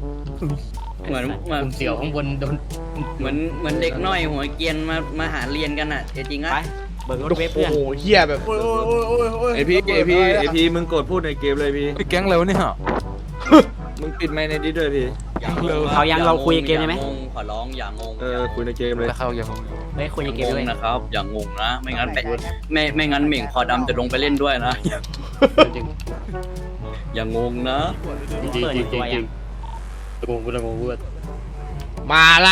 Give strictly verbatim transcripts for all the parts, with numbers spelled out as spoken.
เหมือนเหมือนเสี่ยวข้างบนโดนเหมือนเหมือนเด็กน้อยหัวเกรียนมามาหาเรียนกันอ่ะจริงๆอ่ะไปเบิกรถโอ้เวฟเพื่อนโหเฮียแบบไอพี่ไอพี่ไอพี่มึงกดพูดในเกมเลยพี่ไอ้แก๊งเร็วเนี่ยมึงปิดไมค์ในดิสด้วยพี่เขายังเราคุยเกมได้ไหมอย่างงขอร้องอย่างงงเออคุยในเกมเลยแล้วเข้าอย่างงงเฮ้ยคุยในเกมงด้วยงนะครับ อย่างงงนะ ไม่งั้นไปไม่ไม่งั้นเหม่งคอดำจะลงไปเล่นด้วยนะจริงอย่างงงนะจริงจริงจริงจริงจริงตะโกนพูดตะโกนพูดมาละ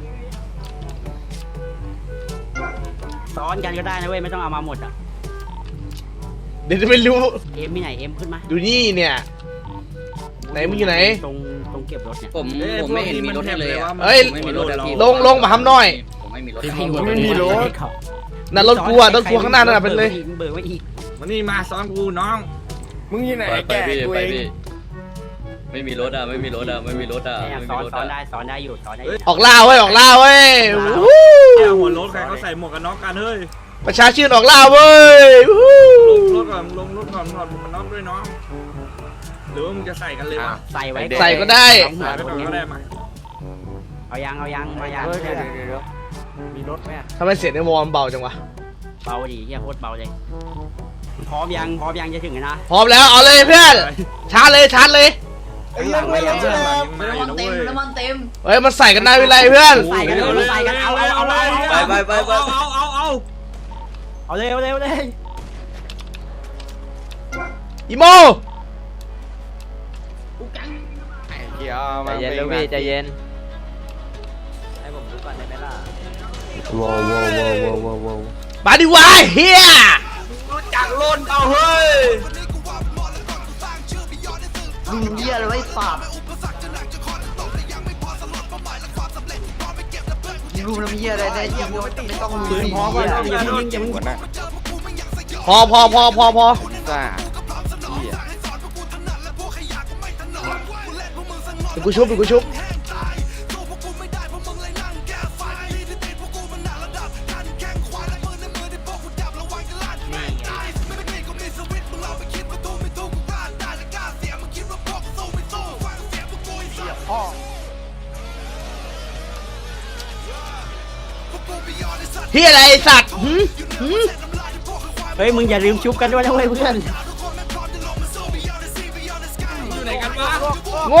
ซ้อนกันก็ได้นะเว้ยไม่ต้องเอามาหมดอ่ะเดี๋ยวจะไม่รู้เอ็มมีไหนเอ็มขึ้นมาดูนี่เนี่ย ไหนมึงอยู่ไหนตรงตรงเก็บรถเนี่ยผมผมไม่เห็นมีรถให้เลยอะเฮ้ยผมไม่มีรถอะพี่ลงลงมาทำหน่อยผมไม่มีรถไม่มีรถ นั่นรถกูอ่ะรถกูข้างหน้านั่นนะเป็นเลยเบิกไว้อีกมานี่มาซ้อนกูน้องมึงอยู่ไหนไปไปแกพี่กูไปเองพี่ไม่มีรถอะไม่มีรถอะไม่มีรถอะเนี่ยไม่ซ้มีอนรถซ้อนอะได้ซ้อนได้อยู่ซ้อนได้อยู่ออกล่าเว้ยออกล่าเว้ยวู้แค่หัวรถใครเขาใส่หมวกกันน็อกกันเฮ้ยประชาชื่นออกล่าเว้ยวู้ลงรถก่อนลงรถก่อนถอดหมวกกันน็อกด้วยน้องหรือว่ามึงจะใส่กันเลยวะใส่ไว้ใส่ก็ได้สองหัวใส่ไปคนก่อนนี้ก็ได้มาเอายังเอายังมายังเฮ้ยเดี๋ยวเดี๋ยวเดี๋ยวมีรถไหมทำไมเสียงในวอร์มเบาจังวะเบาดิเฮียโคตรเบาเลยพร้อมยังพร้อมยังจะถึงนะพร้อมแล้วเอาเลยเพื่อนชาร์จเลยชาร์จเลยข้างหลังไว้ยังเพื่อนน้ำมันเต็มน้ำมันเต็มเฮ้ยมันใส่กันได้เวลาเพื่อนใส่กันเลยใส่กันเอาเอาเอาเอาไปไปไปไปเอาเอาเอาเอาเลยเอาเลยเอาเลยอีโมเดี๋ยวใจเย็นลูกพี่ใจเย็นให้ผมดูก่อนได้ไหมล่ะว้าวว้าวว้าวว้าวว้าวมาดิวะเฮียจากโลนเอาเฮ้ยมึงเยี่ยเลยไอ้สัตว์รู้น้ำเยี่ยอะไรได้ยิงไม่ต้องมือพร้อมก่อนอย่าเพิ่งยิงอย่าเพิ่งหัวหน้าพอพอพอพอพอจ้าเดี๋ยวกูชุบเดี๋ยวกูชุบเฮียอะไรไอ้สัตว์หืมหืมเฮ้ยมึงอย่าลืมชุบกันด้วยนะเว้ยเพื่อนอยู่ไหนกันวะโง่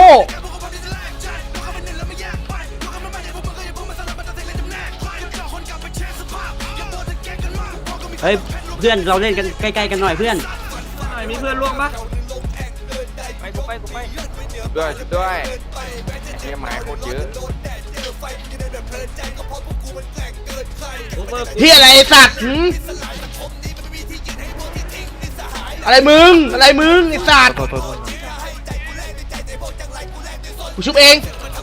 เฮ้ยเพื่อนเราเล่นกันใกล้ๆกันหน่อยเพื่อนมีเพื่อนร่วงปะไปกูไปกูไปด้วยด้วยไอ้ไม้โคตรเยอะเฮียอะไรไอ้สัตว์หืมอะไรมึงอะไรมึงไอ้สัตว์โทษโทษโทษกูชุบเอง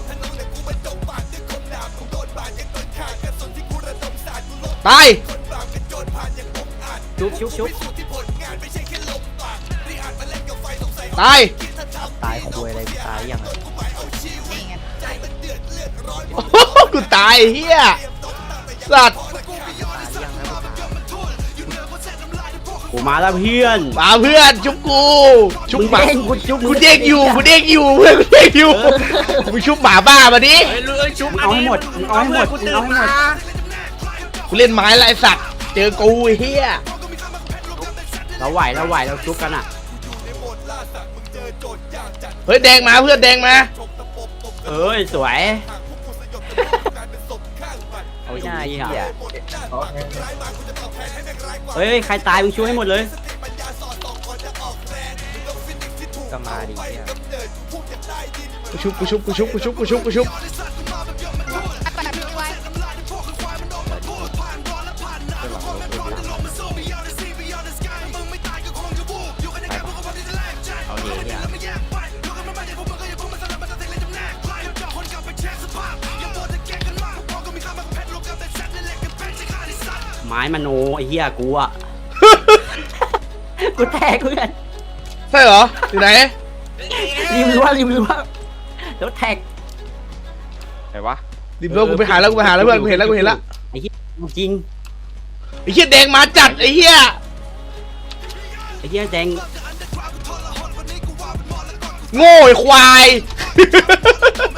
ตายชุบชุบชุบตายตายคุยอะไรตายยังโอ้โหกูตายเฮียสัตว์กูมาแล้วเพื่อนมาเพื่อนชุบกูชุบหมาเด้งกูชุบกูเด้งอยู่กูเด้งอยู่เพื่อนกูเด้งอยู่กูชุบหมาบ้ามาดิเฮ้ยเลยชุบเอาให้หมดเอาให้หมดเอาให้หมดกูเล่นไม้ละไอ้สัตว์เจอกูไอ้เฮียเราไหวเราไหวเราชุบกันอ่ะเฮ้ยแดงมาเพื่อนแดงมาเอ้ยสวยเอาหน้าเหี้ยเฮ้ยใครตายมึงช่วยให้หมดเลยก็มาดิเนี่ยกูชุบกูชุบกูชุบกูชุบกูชุบกูชุบไม้มโนไอ้เหี้ยกูอ่ะ กูแตกเพื่อนใช่เหรออยู่ไหนริมรั้วริมรั้วแล้วแท็กไหนวะดิบโลกูไปหาแล้วกูไปหาแล้วเพื่อนกูเห็นแล้วกูเห็นแล้วไอ้เหี้ยจริงไอ้เหี้ยแดงมาจัดไอ้เหี้ยไอ้เหี้ยแดงโง่ไอ้ควาย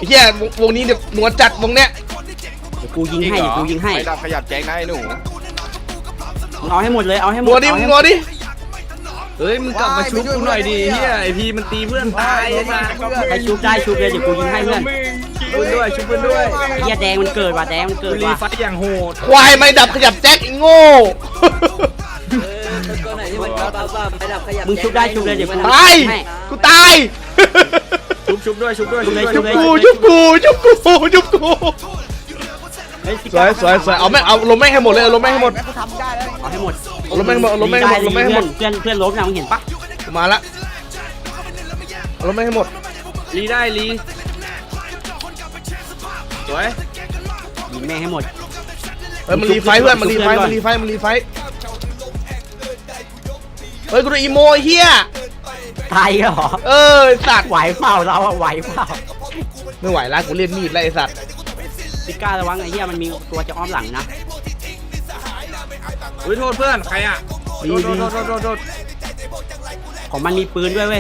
เฮียวงวงนี้เดี๋ยวหนวดจัดวงเนี้ยเดี๋ยวกูยิงให้เดี๋ยวกูยิงให้ไม่ดับขยับแจ้งนะไอ้หนูเอาให้หมดเลยเอาให้หมหนดวดดิเอามึให้งหนวดดิเฮ้ยมึงกลับมาชุบกูหน่อยดิเฮียไอพีมันตีเพื่อนตายไอ้สัสใครชุบได้ชุบเลยเดี๋ยวกูยิงให้เพื่อนชุบเพื่อนด้วยชุบเพื่อนด้วยเฮียแดงมันเกิดว่ะแดงมันเกิดรีว่ะไฟอย่างโหดควายไม่ดับขยับแจ็คไอ้โง่ตัวไหนที่มันบ้าบ้าไปดับขยับมึงชุบได้ชุบเลยเดี๋ยวกูตายให้กูตายชุบชุบด้วยชุบด้วยชุบเลยชุบกูชุบกูชุบกูชุบกูเฮ้สวยสวยสวยเอาแม่งเอาลมแม่งให้หมดเลยเอาลมแม่งให้หมดเอาให้หมดเอาลมแม่งหมดเอาลมแม่งให้หมดลมแม่งให้หมดเพื่อนเพื่อนล้มนะมึงเห็นปะกูมาละเอาลมแม่งให้หมดรีได้รีสวยยิงแม่งให้หมดเฮ้ยมันรีไฟเพื่อนมันรีไฟมันรีไฟมันรีไฟเฮ้ยกูโดนอีโมไอ้เฮียตายเหรอเออไอ้สัตว์ไหวเปล่าเราอะไหวเปล่าไม่ไหวละกูเล่นมีดแล้วไอ้สัตว์พิก้าระวังไอ้เหี้ยมันมีตัวจะอ้อมหลังนะอุ้ยโทษเพื่อนใครอ่ะโทษโทษโทษโทษโทษโทษของมันมีปืนด้วยเว้ย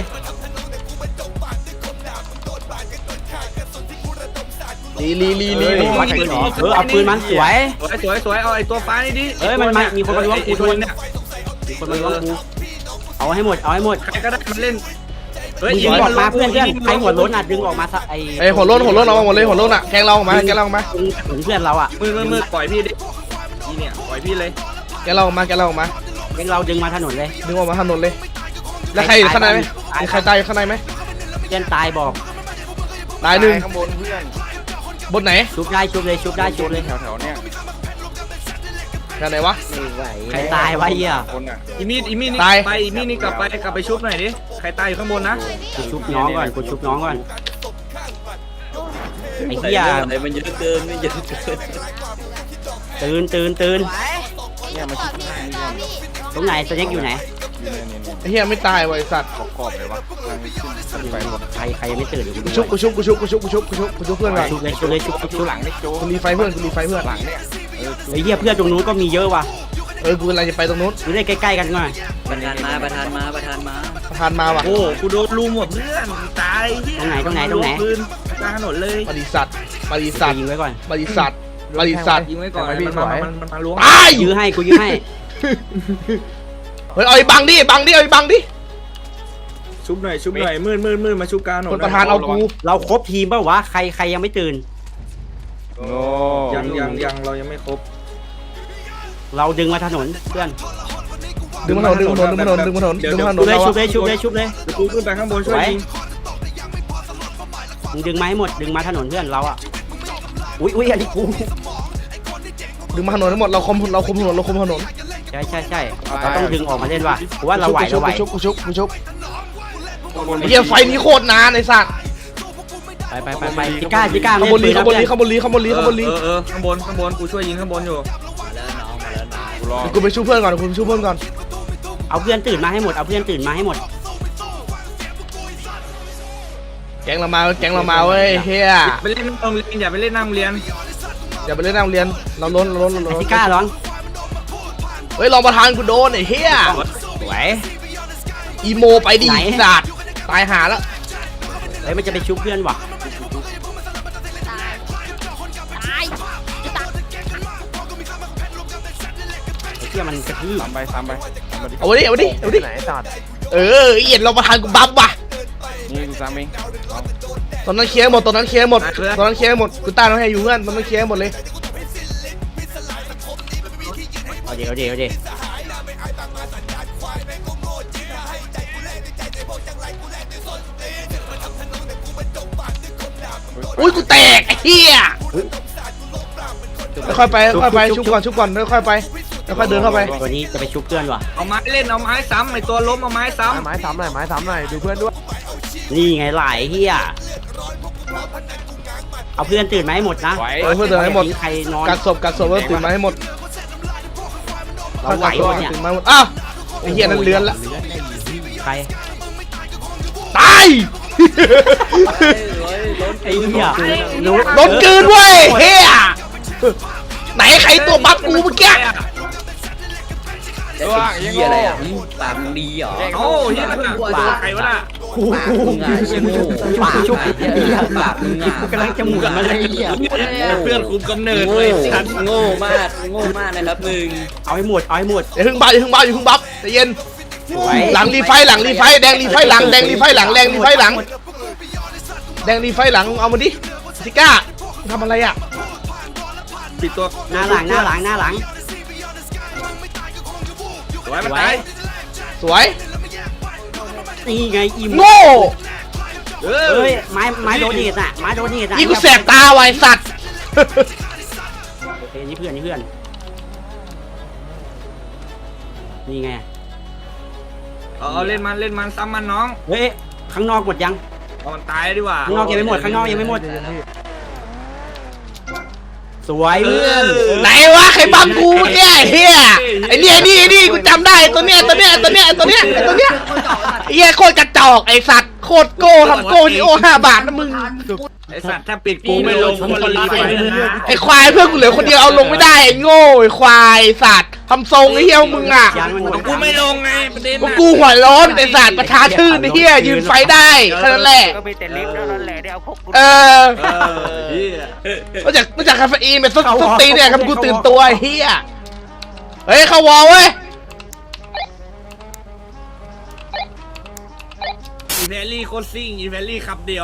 ลีลีลีลีเอลีอเออเอาปืนมันสวยสวยสวยสวยเอาไอ้ตัวฟ้านี่ดิเอ้ยมันมามีคนมาล้วงกูไอ้ตัวเนี่ยมีคนมาล้วงกูเอาให้หมดเอาให้หมดใครก็ได้มันเล่นเฮ้ยมึงยิงออกมาเพื่อนเพื่อนใครหัวโล้นอ่ะดึงออกมาซะไอ้ไอ้หัวโล้นหัวโล้นเอามาหมดเลยหัวโล้นอ่ะแกงเราออกมาแกงเราออกมาถึงเพื่อนเราอ่ะมือมือมือปล่อยพี่ดิพี่เนี่ยปล่อยพี่เลยแกงเราออกมาแกงเราออกมาเป็นเราดึงมาถนนเลยดึงออกมาถนนเลยแล้วใครอยู่ข้างในไหมมีใครตายอยู่ข้างในไหมเพื่อนตายบอกตายหนึ่งข้างบนเพื่อนบนไหนชุบได้ชุบเลยชุบได้ชุบเลยแถวแถวๆเนี่ยแถวไหนวะใครตายวะเหี้ยคนอ่ะอีมีดอีมีดนี่ตายไปอีมีดนี่กลับไปกลับไปชุบหน่อยดิใครตายอยู่ข้างบนนะกูชุบน้องก่อนกูชุบน้องก่อนไอ้เหี้ยไอ้มันเยอะเกินไม่เยอะเกินตื่นตื่นตื่นเนี่ยมาชิดข้างนี่ก่อนตรงไหนสเน็กอยู่ไหนอยู่เนี่ยเนี่ยเนี่ยไอ้เหี้ยไม่ตายว่ะไอ้สัตว์ขอบขอบเลยวะทางนี้ขึ้นขึ้นไปหมดใครใครยังไม่ตื่นเดี๋ยวกูกูดูชุบกูชุบกูชุบกูชุบกูชุบกูชุบกูชุบเพื่อนก่อนชุบเลยชุบเลยชุบชุบดูชุบหลังนี่โจกูรีไฟเพื่อนกูรีไฟเพื่อนหลังเนี่ยเออไอ้เหี้ยเพื่อนตรงนู้นก็มีเยอะว่ะเออกูกำลังจะไปตรงนู้นดูได้ใกล้ๆกันหน่อยประธานมาประธานมาประธานมาประธานมาว่ะโอ้กูโดนลูมหมดเพื่อนตายเหี้ยตรงไหนตรงไหนตรงไหนปืนกลางถนนเลยบริษัทบริษัทยิงไว้ก่อนบริษัทบริษัทยิงไว้ก่อนทำไมพี่มันถมาอยมันมันมาล้วงตายยื้อให้กูยื้อให้เฮ้ยเอาไอ้บังดิไอ้บังดิเอาไอ้บังดิชุบหน่อยชุบหน่อยมืดมืดมืดมาชุบกลางถนนคนประธานเอากูเราครบทีมเปล่าวะใครใครยังไม่ตื่นโอ้ยังยังยังเรายังไม่ครบเราดึงมาถนนเพื่อนดึงมาถนนดึงมาถนนดึงมาถนนดึงมาถนนดึงมาถนชุนบเลยเราชุบอะเลยชุบเลยชุบเลยเดี๋ยวกูขึ้นไปข้างบนช่วยไว้ยิงมึงดึงมาให้หมดดึงมาถนนเพื่อนเราอ่ะอุ้ยอุ้ยอันนี้กูดึงมาถนนทั้งหมดเราคมเราคมถนนเราคมถนนใช่ใช่ใช่เราต้องดึงออกมาเล่นว่ะกูว่าเราไหวชุเราบไหวกูชุบกูชุบกูชุบไอ้เหี้ยไฟนี้โคตรนานไอ้สัตว์ไปไปไปไปจิก้าจิก้าข้างบนลีข้างบนลีข้างบนลีข้างบนลีข้างบนลีเออเออข้างบนข้างบนกูช่วยยิงข้างบนอยู่มาแล้วน้องมาแล้วน้องกูรอกูไปช่วยเพื่อนก่อนกูไปช่วยเพื่อนก่อนเอาเพื่อนตื่นมาให้หมดเอาเพื่อนตื่นมาให้หมดแก๊งเรามาแก๊งเรามาเว้ยเฮียไปเล่นหน้าโรงเรียนอย่าไปเล่นหน้าโรงเรียนอย่าไปเล่นหน้าโรงเรียนเราล้นเราล้นเราไอ้ล้นจิก้าร้องเฮ้ยรองประธานกูโดนไอ้เฮียสวยอีโมไปดิสัตว์ตายหาแล้วเฮ้ยมันจะไปชุบเพื่อนว่ะตายจะตายไอ้เหี้ยมันกระทืบตามไปตามไปตามไปดิเอาดิเอาดิเอาดิไหนสัตว์เออเอียดรองประธานกูบัฟว่ะนี่กูตามเองตอนนั้นเคลียร์หมดตอนนั้นเคลียร์หมดตอนนั้นเคลียร์หมดกูต้านน้องให้อยู่เพื่อนตอนนั้นเคลียร์หมดเลยเอาเดี๋ยวเดี๋ยวเดี๋ยวอุ้ยกูแตกไอ้เหี้ยค่อยๆไปค่อยๆไปชุบก่อนชุบก่อนค่อยๆไปค่อยๆเดินเข้าไปตัวนี้จะไปชุบเพื่อนว่ะเอาไม้เล่นเอาไม้ซ้ำไอตัวล้มเอาไม้ซ้ำไม้ซ้ำหน่อยไม้ซ้ำหน่อยดูเพื่อนด้วยนี่ไงหลายเหี้ยเอาเพื่อนตื่นมาให้หมดนะไหวเออเพื่อนเดินให้หมดใครนอนกัดศพกัดศพแล้วตื่นมาให้หมดเราไหวกัดศพวะเนี่ยตื่นมาหมดอ้าวไอ้เหี้ยนั่นเลือนละใครตายไอ้เหี้ยโดนกลืนเว้ยเฮียไหนใครตัวบัฟกูเมื่อกี้ไอ้เหี้ยอะไรอ่ะปากดีเหรอโอ้ยเฮียโดนใครวะน่ะไกูมึงอ่ะเชี่ยโง่ปากชุบปากมึงอ่ะกำลังจะหมุนมาเลยไอ้เหี้ยเพื่อนคุมกำเนิดโง่เลยสัตว์โง่มากโง่มากนะครับมึงเอาให้หมดเอาให้หมดอย่าเพิ่งบัฟอย่าเพิ่งบัฟอย่าเพิ่งบัฟใจเย็นสวยหลังรีไฟหลังรีไฟแดงรีไฟหลังแดงรีไฟหลังแดงรีไฟหลังแดงรีไฟหลังเอามาดิซิก้าทำอะไรอ่ะปิดตัวหน้าหลังหน้าหลังหน้าหลังสวยมันตายสวยนี่ไงอิ่มโง่เอเอ้อยไม้ไม้โดนเนตอ่ะไม้โดนเนตอ่ะอีกูแสบตาไวะไอ้สัตว์โอเคนี่เพื่อนนี่เพื่อนนี่ไงเอาเอาเล่นมันเล่นมันซ้ำมันน้องเฮ้ยข้างนอกหมดยังเอามันตายดีกว่าข้างนอกยังไม่หมดข้างนอกยังไม่หมดสวยเพื่อนไหนวะใครบัมกูเนี่ยไอ้เฮียไอ้นี่ไอ้นี่ไอ้นี่กูจำได้ตัวเนี้ยตัวเนี้ยตัวเนี้ยตัวเนี้ยตัวเนี้ยไอ้เฮียโคตรกระจอกไอ้สัตว์โคตรโก้ทำโก้ที่โอห้าบาทนะมึงไอสัตว์ถ้าปิดกูไม่ลงคนรีบไปนะไอ้ควายเพื่อนกูเหลือคนเดียวเอาลงไม่ได้ไอ้โง่ไอ้ควายสัตว์ทำทรงไอ้เฮียมึงอ่ะยันมันหมดกูไม่ลงไงประเด็นพวกกูหัวร้อนไอ้สัตว์ประชาชื่นไอ้เฮียยืนไฟได้แค่นั้นแหละก็มีแต่ลิฟต์เท่านั้นแหละที่เอาพวกกูเออเออเฮียนอกจากนอกจากคาเฟอีนเป็นซุปซุปตีนเนี่ยครับกูตื่นตัวไอ้เฮียเฮ้ยเข้าวอลเว้ยอีแพลลี่โคตรซิ่งอีแพลลี่ขับเดียว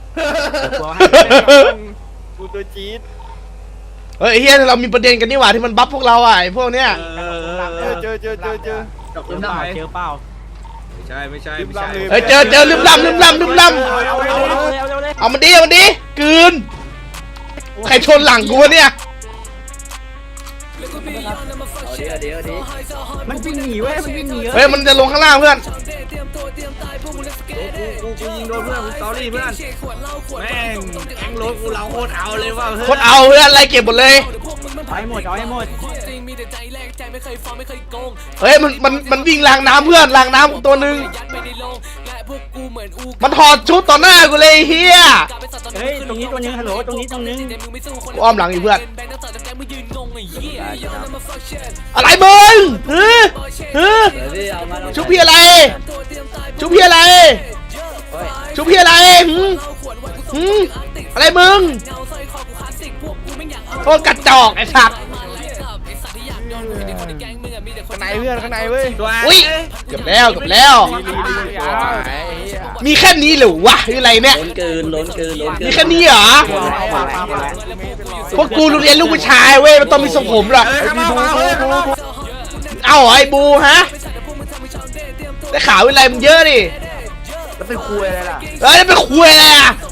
กูตัวจี๊ดเฮ้ยไอ้เฮียเรามีประเด็นกันนี่หว่าที่มันบัฟพวกเราอ่ะไอ้พวกเนี้ยเออเออเจอเจอเจอเจอดอกเจอน้ำเปล่าลายเจอเปล่าไม่ใช่ไม่ใช่ไม่ใช่เฮ้ยเจอเจอลืมลำลืมลำลืมลเอาเอาเอาเอาเอาเลยำเอามันดิเอามันดิกลืนใครชนหลังกูวะเนี่ยเอาดิเอาดิเอาดิมันวิ่งหนีเว้ยมันวิ่งหนีเว้เฮ้ยยมันจะลงข้างล่างเพื่อนกูกูยิงโดนเพื่อนกูสตอรี่เพื่อนแม่งแองรถกูเราโคตรเอาเลยว่าโคตรเอาเพื่อนไล่เก็บหมดเลยเอาให้หมดเอาให้หมดเฮ้ยมันมันมันวิ่งรางน้ำเพื่อนรางน้ำตัวหนึ่งมันถอดชุดต่อหน้ากูเลยไอ้เฮียเฮ้ยตรงนี้ตัวนึงฮัลโหลตรงนี้ตรงนึงกูอ้อมหลังอยู่เพื่อนอะไรมึงเฮ้ยเฮ้ยเดี๋ยวดิเอามาเอามาชุบพี่อะไรชุบพี่อะไรชุบพี่อะไรหืมหืมอะไรมึงโคตรกระจอกไอ้สัตว์ข้างในเพื่อนข้างในเว้ยตัวอุ้ยเกือบแล้วเกือบแล้ว มีแค่นี้เหรอวะหรืออะไรเนี่ยล้นเกินล้นเกินล้นเกินมีแค่นี้เหรอพวกกูเรียนลูกผู้ชายเว้ยมันต้องมีทรงผมหรอกเฮ้ยข้างนอกมาเฮ้ยข้างนอกเอ้าไอ้บูฮะได้ข่าวอะไรมันเยอะดิแล้วไปคุยอะไรล่ะเฮ้ยไปคุยอะไรอ่ะ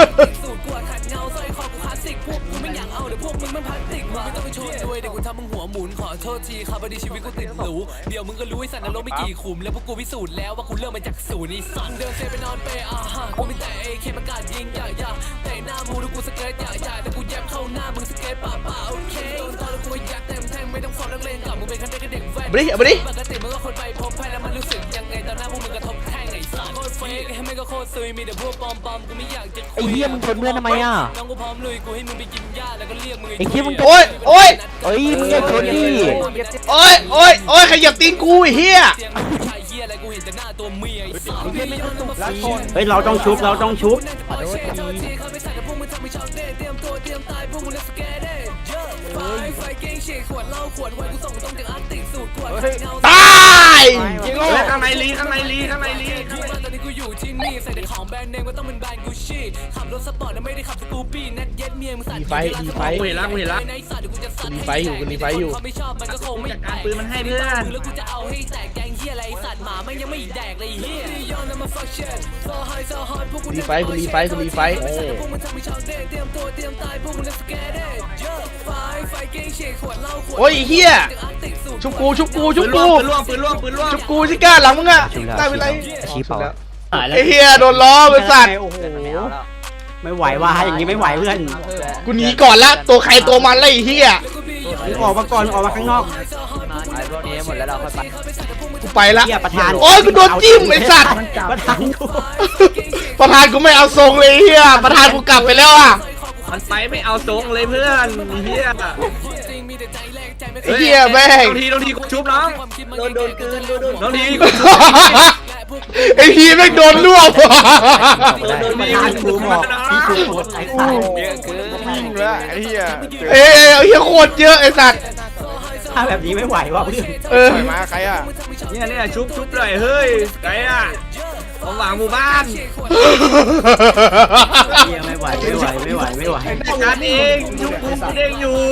โทษทีครับพอดีชีวิตกูติดหรูเดี๋ยวมึงก็รู้ไอ้สัตว์นรกไม่กี่ขุมแล้วพวกกูพิสูจน์แล้วว่ากูเริ่มมาจากศูนย์ไอ้สัตว์เดินเซไปนอนเปย์อ่ะฮะกูมีแต่เอเคประกาศยิงอย่าอย่าแต่หน้ามูดูกูสเก็ตอย่าอย่าแต่กูแยบเข้าหน้ามึงสเก็ตป่าป่าโอเคโดนตอนแล้วกูยัดเต็มแทงไม่ต้องฟอร์มนักเลงกับมึงเป็นแค่เด็กเด็กแว่นเอาไปดิเอาไปดิปกติมึงก็คนไปพบแพทย์แล้วมันรู้สึกยังไงตอนหน้าพวกมึงกระทบแท่งไอ้สัตว์โคตรเฟกให้ไม่ก็โคตรซุยมีแต่พวกปอมปอมกูไม่อยากจะคุยไอ้เหี้ยมึงชนเพื่อนทำไมอ่ะน้องกูพร้อมลุยกูให้มึงไปกินหญ้าแล้วก็เรียกมึงไอ้เหี้ยมึงโอ้ยโอ้ยเอ้ยมึงอย่าชนดิโอ้ยโอ้ยโอ้ยขยับตีนกูไอ้เหี้ยเสียงผู้ชายเฮียอะไรกูเห็นแต่หน้าตัวเมียไอ้สัสเฮ้ยเราต้องชุบเราต้องชุบตายเฮ้ยข้างในลีข้างในลีข้างในลีตอนนี้กูอยู่ที่นี่ใส่แต่ของแบรนด์เนมก็ต้องเป็นแบรนด์กูชี่ขับรถสปอร์ตนะไม่ได้ขับสกูปี้นัดเย็ดเมียมึงสั่นดีไฟดีไฟกูเห็นละกูเห็นละดีไฟอยู่กูดีไฟอยู่ไม่ชอบมันก็คงไม่จากการปืนมันให้เพื่อนแล้วกูจะเอาให้แตกแกงเฮียอะไรสัตว์หมามันยังไม่แดกเลยเฮียดีไฟกูดีไฟกูดีไฟ โอ้ยเฮียชุบกูชุบกูชุปืบนล่กูวงปืนล่วงปืนล่วงปืนล่วงชุบกูชิก้าหลังมึงอะได้เป็นไรชี้เปล่าไอ้เฮียโดนล้อบริษัทโอ้โหไม่ไหวว่ะอย่างงี้ไม่ไหวเพื่อนกูหนีก่อนละตัวใครตัวมันเลยไอ้เฮียมึงออกมาก่อนมึงออกมาข้างนอกไอ้พวกนี้หมดแล้วเราค่อยไปกูไปละเฮียประธานโอ้ยกูโดนจิ้มไอ้สัตว์ประธานกูประธานกูไม่เอาทรงเลยเฮียประธานกูกลับไปแล้วอ่ะมันไปไม่เอาทรงเลยเพื่อนเฮียไอ้เฮียแม่งบางทีบางทีกูชุบน้องโดนโดนเกินโดนโดนบางทีกูชุบไอ้พีแม่งโดนรวบโดนประธานกูบอกพี่คือโคตรไอ้สัตว์เยอะเกินวิ่งแล้วไอ้เหี้ยเอ้ยเฮียโคตรเยอะไอ้สัตว์ถ้าแบบนี้ไม่ไหวว่ะเพื่อนเออปล่อยมาใครอ่ะเนี่ยเนี่ยชุบชุบหน่อยเฮ้ยไงอ่ะของหวังหมู่บ้านเฮียไม่ไหวไม่ไหวไม่ไหวไม่ไหวการเองชุบกูเองอยู่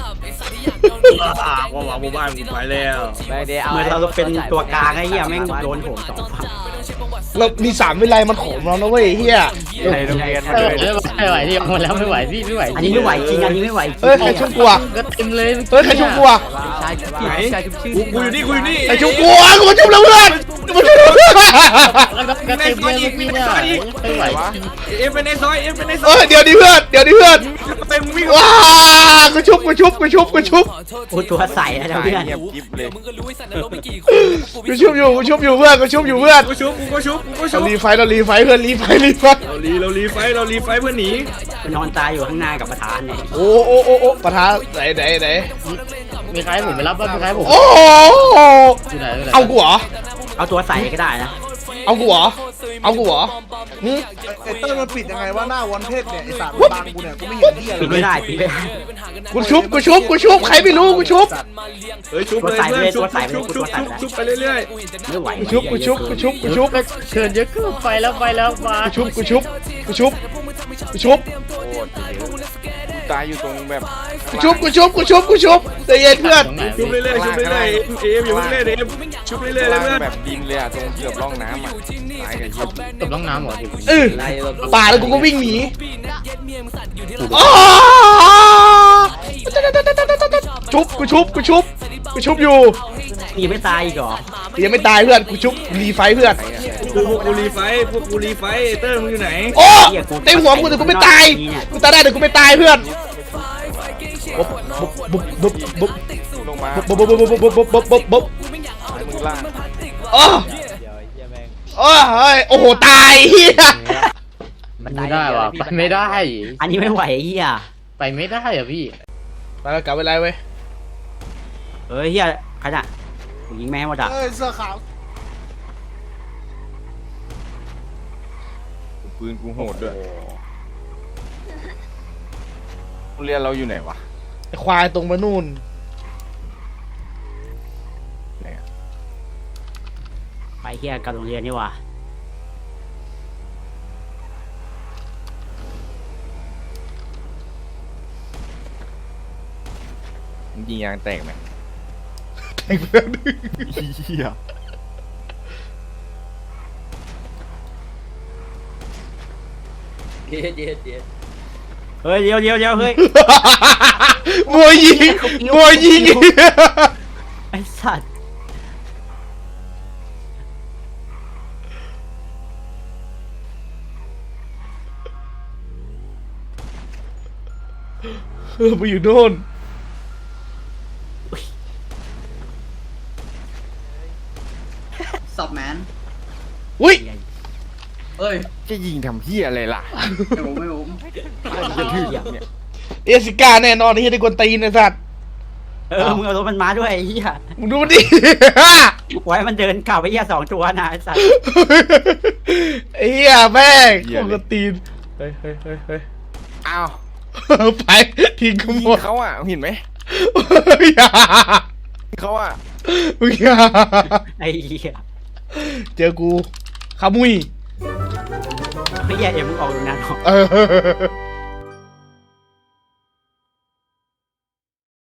ของหวังหมู่บ้านกูไปแล้วเหมือนเราเป็นตัวกลางไอ้เฮียแม่งโดนโหมสองฝั่งเรามีสามวิไลมันของเรานะเว้ยเฮียในโรงเรียนมาไม่เลไหวย ไม่ไหวที่หมดแล้วไม่ไหวพี่ไม่ไหวอันนี้ไม่ไหวจริงอันนี้ไม่ไหวจริงเฮ้ยใครชุบกูอ่ะก็เต็มเลยเฮ้ยใครชุบกูอ่ะชายชุบไหนชายชุบชื่อกูกูอยู่นี่กูอยู่นี่ใครชุบกูอ่ะกูมาชุบแล้วเพื่อนกูมาชุบแล้วเพื่อนก็เต็มเลยพี่เนี่ยไม่ไหวเอ็มเป็นในซอยเอ็มเป็นในซเออยอเดี๋ยวดิเพื่อนเดี๋ยวดิเพื่อนเต็มวิ่งว้ากูชุบกูชุบกูชุบกูชุบกูตัวใสนะเพื่อนเงียบกิ๊บเลยมึงก็รู้ไอ้สัตว์นรกไม่กี่คุมแล้วพวกกูกูชุบอยู่กูชุบอยู่เพื่อนกูชุบอยู่เพื่อนกูชุบกูก็ชุบกูก็ชุเราบรีไฟเรารีไฟเพื่อนรีไฟรีไฟเราลีเราลีไฟเราลีไฟเพื่อหนีกูนอนตายอยู่ข้างหน้ากับประธานเนี่ยโอ้โอ้โอ้โอ้ประธานไหนไหนไหนมีใครผมไปรับบ้างมีใครผมโอ้ที่ไหนเอากูเหรอเอาตัวใสก็ได้นะเอากูเหรอเอากูเหรอหึไอ้เต้ยมันปิดยังไงว่าหน้าวันเทพเนี่ยไอ้สัตว์บังกูเนี่ยกูไม่เห็นเหี้ยเลปิดยไม่ได้ปิดไม่ได้กูชุบกูชุบกูชุบใครไม่รู้กูชุบเฮ้ยชุบเลยเพื่อนชุบชุบชุบชุบชุบไปเรื่อยไม่ไหวกูชุบกูชุบกูชุบกูชุบก็เชิญเยอะขึ้นไปแล้วไปแล้วมากูชุบกูชุบกูชุบกูชุบกูตายอยู่ตรงแบบกูชุบกูชุบกูชุบกูชุบใจเย็นเพื่อนตรงไหนๆชุบเรื่อยๆชุบเรื่อยๆเอ็มอยู่เรื่อยๆเอ็มชุบเรื่อยๆเลยล่างเพื่อนแบบดินเลยอ่ะตรงเกือบร่องน้ำอ่ะตายกับยิบตบน้องน้ำเหรอเออป่าแล้วกูก็วิ่งหนีอ๋อชุบกูชุบกูชุบกูชุบอยู่ยังไม่ตายอีกเหรอยังไม่ตายเพื่อนกูชุบรีไฟเพื่อนพวกกูรีไฟพวกกูรีไฟเต้ยมึงอยู่ไหนโอ้เต็มหัวกูแต่กูไม่ตายกูตายได้แต่กูไม่ตายเพื่อนบุ๊บบุ๊บบุ๊บบุ๊บลงมาบุ๊บบุ๊บบุ๊บบุ๊บบุ๊บบุ๊บบุ๊บบุ๊บมือล่างโอ้โอ้ยโอ้โหตายเฮียไม่ได้ว่ะไปไม่ได้อันนี้ไม่ไหวไอ้เฮียไปไม่ได้อ่ะพี่ไปแล้วกลับไปไรเว้ยเฮ้ยเฮียขนาดกูยิงแม่งหมดอ่ะเอ้ยเสื้อขาวปืนกูโหดด้วยโรงเรียนเราอยู่ไหนวะไอ้ควายตรงมานู่นไหนอะไปเฮียกับโรงเรียนนี่ว่ะมึงยิงยางแตกไหมไอ้เพื่อนเหี้ยเฮ้ยเดี๋ยวเดี๋ยวเดี๋ยวเฮ้ยมวยยิงมวยยิงไอ้สัตว์เออไปอยู่โน่นสับแมนอุ้ยเอ้ยจะยิงทำเหี้ยอะไรล่ะไม่ผมไม่ผมจะถือเนี่ยเอสิก้าแน่นอนที่ได้กวนตีนไอ้สัตว์เออมึงเอารถมันมาด้วยไอ้เฮียมึงดูมันดิไว้มันเดินกลับไปเฮียสองตัวนะไอ้สัตว์ไอ้เหี้ยแม่งกวนตีนเฮ้ยเฮ้ยเฮ้ยเฮ้ยอ้าวไปทิ้งกูยิหมงดเขาอ่ะเห็นไหมอย่าเขาอ่ะมึงอย่าไอ้เฮียเจอกูขมุยไอ้เฮียเดี๋ยวมึงออกตรงนั้นหรอกเออ